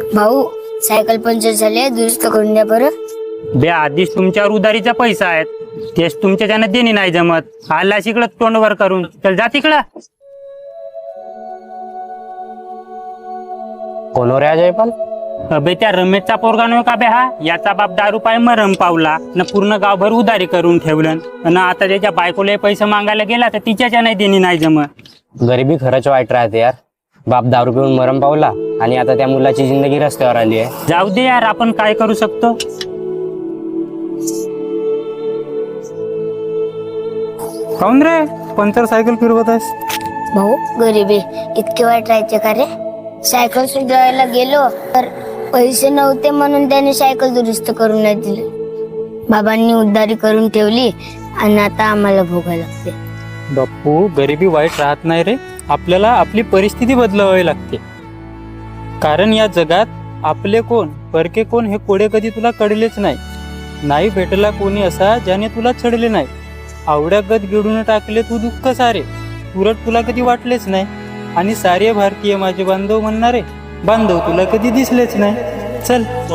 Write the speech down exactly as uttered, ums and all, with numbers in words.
भाऊ cycle puncture झाले, दुरुस्त करून द्या बरं. बे आधीच तुमच्यावर उधारीचा पैसा आहेत, तेच तुमच्या त्यानं देणी नाही जमत. आला इकडं तोंडवर करून, चल जा तिकडं. कोण रे जयपाल? अबे त्या रमेशचा पोरगा नव्हे का बे हा? याचा बाप दारू पाय मरम पावला न पूर्ण गावभर उधारी करून ठेवलं, न आता त्याच्या बायकोला पैसे मागायला गेला तर तिच्याच्या नाही देणी नाही जमत. गरिबी खरंच वाईट राहते यार. बाप दारू पिऊन मरम पावला आणि आता त्या मुलाची जिंदगी रस्त्यावर आली आहे. जाऊ दे यार, आपण काय करू शकतो. काऊन रे पंचर सायकल फिरवत आहेस? भाऊ गरिबी इतके वाईट राहायचे का रे? सायकल सुधारायला गेलो तर पैसे नव्हते म्हणून त्याने सायकल दुरुस्त करून नाही दिली. बाबांनी उधारी करून ठेवली आणि आता आम्हाला भोगायला लागते. बाप्पू, गरिबी वाईट राहत नाही रे. आपल्याला आपली परिस्थिती बदलावी लागते. कारण या जगात आपले कोण परके कोण हे कोडे कधी तुला कळलेच नाही. नाही भेटला कोणी असा ज्याने तुला छळले नाही. आवड्यागत गिळून टाकले तू दुःख सारे, उलट तुला कधी वाटलेच नाही. आणि सारे भारतीय माझे बांधव म्हणणारे बांधव तुला कधी दिसलेच नाही. चल.